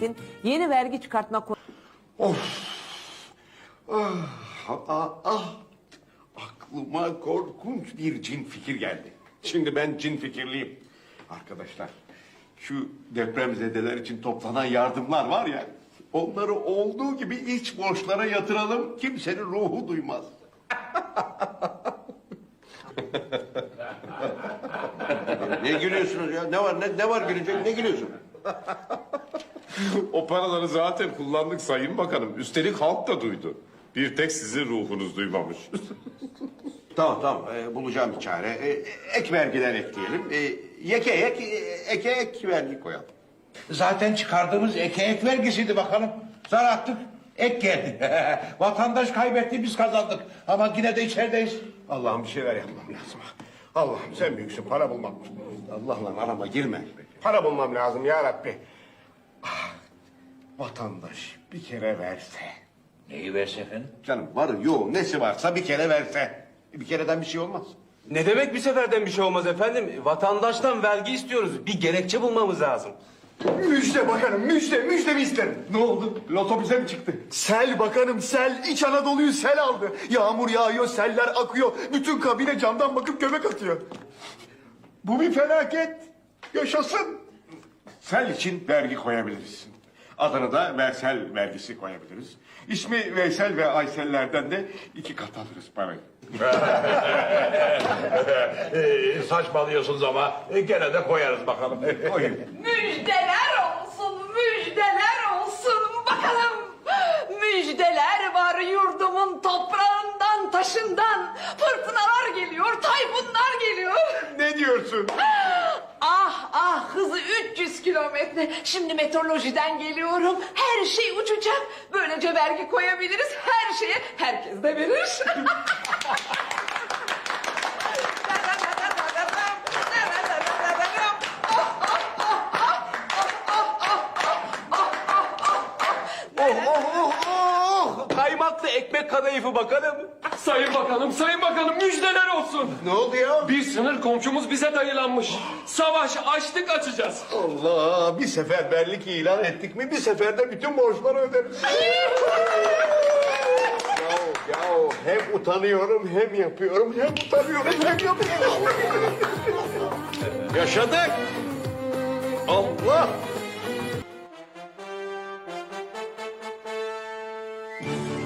hükümetin yeni vergi çıkartma Of! Aklıma korkunç bir cin fikir geldi. Şimdi ben cin fikirliyim. Arkadaşlar, şu depremzedeler için toplanan yardımlar var ya... ...onları olduğu gibi iç borçlara yatıralım, kimsenin ruhu duymaz. Ne gülüyorsunuz ya? Ne var? Ne var gülecek? Ne gülüyorsun? O paraları zaten kullandık Sayın Bakanım. Üstelik halk da duydu. Bir tek sizin ruhunuz duymamış. Tamam, bulacağım bir çare. Ek vergiden ekleyelim. Eke ek vergi koyalım. Zaten çıkardığımız ek vergisiydi bakalım. Zar attık, ek geldi. Vatandaş kaybetti, biz kazandık. Ama yine de içerideyiz. Allah'ım bir şeyler yapmam lazım. Allah'ım sen büyüksün, para bulmam. Allah'la arama girme. Para bulmam lazım ya Rabbi. Vatandaş bir kere verse. Neyi verse efendim? Canım var yok nesi varsa bir kere verse. Bir kereden bir şey olmaz. Ne demek bir seferden bir şey olmaz efendim? Vatandaştan vergi istiyoruz. Bir gerekçe bulmamız lazım. Müjde bakanım, müjde mi isterim? Ne oldu? Loto bize mi çıktı? Sel bakanım, sel. İç Anadolu'yu sel aldı. Yağmur yağıyor, seller akıyor. Bütün kabine camdan bakıp göbek atıyor. Bu bir felaket. Yaşasın. Sel için vergi koyabiliriz. Adını da Veysel vergisi koyabiliriz. İsmi Veysel ve Aysellerden de 2 kat alırız parayı. Saçmalıyorsunuz ama gene de koyarız bakalım. Koyun. Müjdeler olsun, müjdeler olsun bakalım. Müjdeler var yurdumun toprağından, taşından. Fırtınalar geliyor, tayfunlar geliyor. Ne diyorsun? Hızı 300 kilometre. Şimdi meteorolojiden geliyorum. Her şey uçacak. Böylece vergi koyabiliriz her şeye. Herkes de verir. Kaymaklı ekmek kadayıfı bakalım. Sayın Bakanım müjdeler olsun. Ne oldu ya? Bir sınır komşumuz bize dayılanmış. Savaş açtık açacağız. Allah, bir seferberlik ilan ettik mi bir seferde bütün borçları öderiz. ya hem utanıyorum hem yapıyorum, hem utanıyorum hem yapıyorum. Yaşadık. Allah.